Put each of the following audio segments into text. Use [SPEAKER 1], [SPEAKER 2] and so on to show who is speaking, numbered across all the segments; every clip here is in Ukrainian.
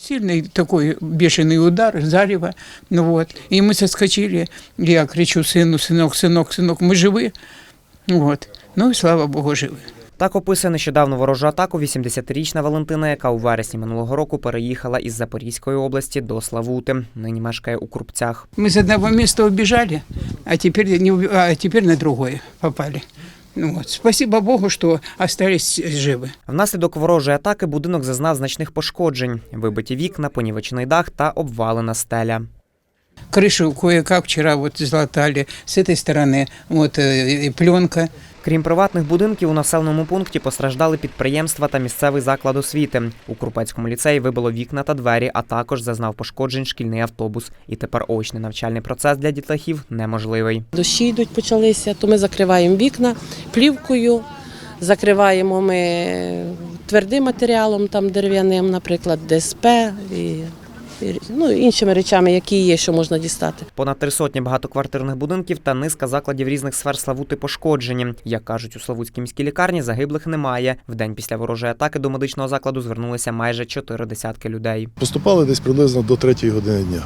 [SPEAKER 1] Сильный такой бешеный удар, зарево. Ну вот. И мы соскочили. Я кричу сыну: сынок, сынок, сынок, мы живы. Вот. Ну и слава Богу, живы.
[SPEAKER 2] Так описує нещодавно ворожу атаку 80-річна Валентина, яка у вересні минулого року переїхала із Запорізької області до Славути. Нині мешкає у Крупцях.
[SPEAKER 1] Мы с одного места убежали, а теперь на другое попали. Ну вот. Спасибо Богу, что остались живы.
[SPEAKER 2] Внаслідок ворожої атаки будинок зазнав значних пошкоджень. Вибиті вікна, понівечений дах та обвалена стеля.
[SPEAKER 1] Крышу кое-как вчера вот залатали с этой стороны, вот и пленка.
[SPEAKER 2] Крім приватних будинків, у населеному пункті постраждали підприємства та місцевий заклад освіти. У Крупецькому ліцеї вибило вікна та двері, а також зазнав пошкоджень шкільний автобус. І тепер очний навчальний процес для дітлахів неможливий.
[SPEAKER 3] Дощі йдуть, почалися, то ми закриваємо вікна плівкою, закриваємо ми твердим матеріалом, там дерев'яним, наприклад, ДСП і іншими речами, які є, що можна дістати.
[SPEAKER 2] Понад 300 багатоквартирних будинків та низка закладів різних сфер Славути пошкоджені. Як кажуть у Славутській міській лікарні, загиблих немає. Вдень після ворожої атаки до медичного закладу звернулися майже 4 десятки людей.
[SPEAKER 4] Поступали десь приблизно до 3 години дня.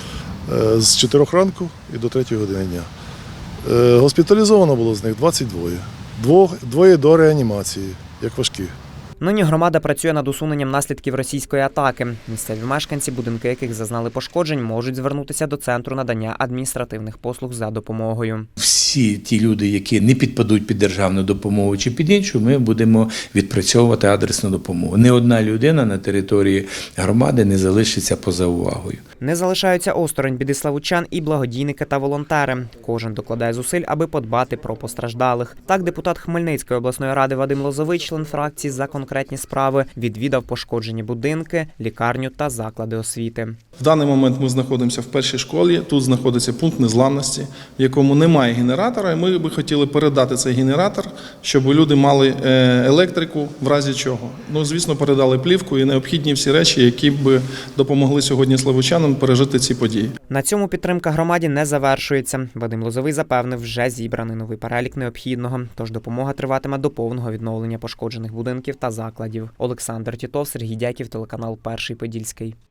[SPEAKER 4] З 4 ранку і до 3 години дня. Госпіталізовано було з них 22. Двоє до реанімації, як важкі.
[SPEAKER 2] Нині громада працює над усуненням наслідків російської атаки. Місцеві мешканці, будинки яких зазнали пошкоджень, можуть звернутися до Центру надання адміністративних послуг за допомогою.
[SPEAKER 5] Всі ті люди, які не підпадуть під державну допомогу чи під іншу, ми будемо відпрацьовувати адресну допомогу. Не одна людина на території громади не залишиться поза увагою.
[SPEAKER 2] Не залишаються осторонь біди славутчан і благодійники та волонтери. Кожен докладає зусиль, аби подбати про постраждалих. Так, депутат Хмельницької обласної ради Вадим Лозовий, член фракції «За конкретні справи», відвідав пошкоджені будинки, лікарню та заклади освіти.
[SPEAKER 6] В даний момент ми знаходимося в першій школі, тут знаходиться пункт незламності, в якому немає генератора, і ми би хотіли передати цей генератор, щоб люди мали електрику, в разі чого. Ну, звісно, передали плівку і необхідні всі речі, які б допомогли сьогодні славутчанам пережити ці події.
[SPEAKER 2] На цьому підтримка громаді не завершується. Вадим Лозовий запевнив, вже зібраний новий перелік необхідного, тож допомога триватиме до повного відновлення пошкоджених будинків та закладів. Олександр Тітов, Сергій Дяків, телеканал «Перший Подільський».